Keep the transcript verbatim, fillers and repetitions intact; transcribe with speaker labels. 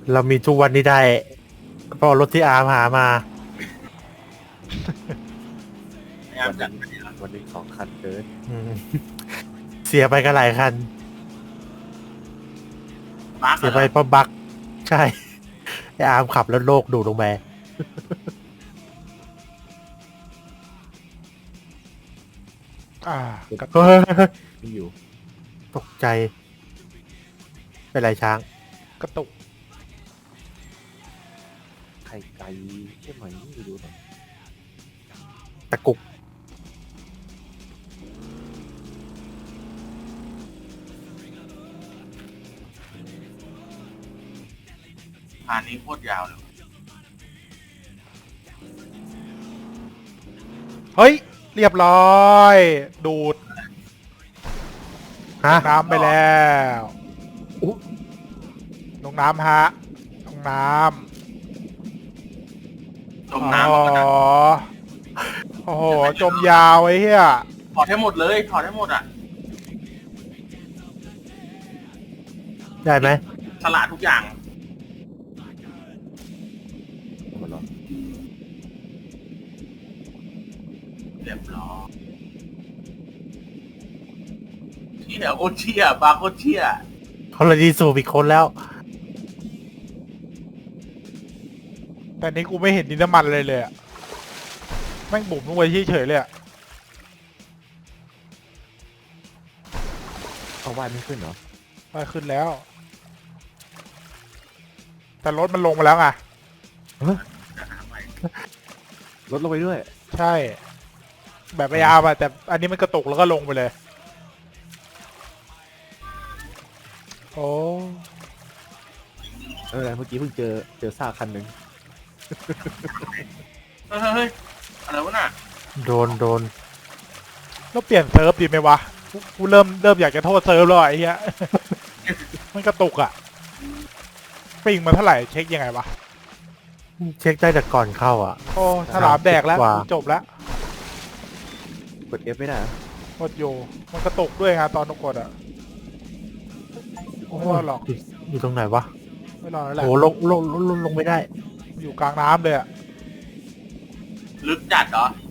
Speaker 1: เรามีทุกวันนี้ได้เพราะรถที่อาร์มหามา
Speaker 2: พยายามจัด
Speaker 3: วันหนึ่งสองคันเกิน
Speaker 1: อืมเสียไปก็หลายคัน
Speaker 2: มาร์ก
Speaker 1: เสียไปเพราะบั๊กใช่ไออาร์มขับแล้วโลกดูดลงไปอ่ากระเฮ้ย
Speaker 3: มีอยู่
Speaker 1: ตกใจ เป็นไรช้าง
Speaker 4: กระตุก
Speaker 3: ไข่ไก่ใช่ไหมไม่รู้นะ
Speaker 1: ตะกุก
Speaker 2: ผ่านนี้โคตรยาวเลย
Speaker 4: เฮ้ย เรียบร้อย ดูด
Speaker 1: ฮะ
Speaker 4: น้ำไปแล้วลงน้ำฮะลงน้
Speaker 2: จม
Speaker 4: ำ
Speaker 2: น้ำ
Speaker 4: อ๋
Speaker 2: แล้ว
Speaker 4: อ
Speaker 2: ก็นะ
Speaker 4: โอ้โห จมยาวไอ้เหี้ย
Speaker 2: ถอดให้หมดเลยถอดให้หมดอ่ะ
Speaker 1: ได้ไหม
Speaker 2: สละทุกอย่าง
Speaker 3: หมดแล้ว
Speaker 2: เรียบร้อยเชี่ยโอเชี่ยบาโคตรเชี่ย
Speaker 1: เขาเลยดีสูบอีกคนแล้ว
Speaker 4: แต่นี้กูไม่เห็นดินน้ำมันเลยเลยอะแม่งบุ๋มลงไปเฉยๆเลยอะ
Speaker 3: เอาว่ายไม่ขึ้นเหรอ
Speaker 4: ไปขึ้นแล้ว แต่รถมันลงมาแล้วไง
Speaker 2: จะหาใหม่
Speaker 3: ลดลงไปด้วย
Speaker 4: ใช่ แบบไออาร์อะแต่อันนี้มันกระตุกแล้วก็ลงไปเลย โอ้
Speaker 3: เออเมื่อกี้เพิ่งเจอเจอซากคันหนึ่ง
Speaker 2: เฮ้ยเฮ้ยเฮ้ยอะไรวะน่ะ
Speaker 1: โดนโดน
Speaker 4: แล้วเปลี่ยนเซิร์ฟดีไหมวะกูกูเริ่มเริ่มอยากจะโทษเซิร์ฟแล้วอะไอ้เหี้ย มันกระตุกอะปิงมาเท่าไหร่เช็คยังไงวะ
Speaker 1: เช็คได้แต่ก่อนเข้าอ่ะ
Speaker 4: โอ้ฉลามแดกแล้ว
Speaker 1: กว่า
Speaker 4: จบแล้ว
Speaker 3: กด F ไม่ได้เหรอ
Speaker 4: หมดอยู่มันกระตุกด้วยไงตอนนกกดอะไม่รอดหรอก
Speaker 1: ยู่อยู่ตรงไหนวะ
Speaker 4: ไม่รอดแล้วแหละ
Speaker 1: โอ้ลงลงลงลงไม่ได้
Speaker 4: อยู่กลางน้ำเลยอะ
Speaker 2: ลึกจัดเหรอ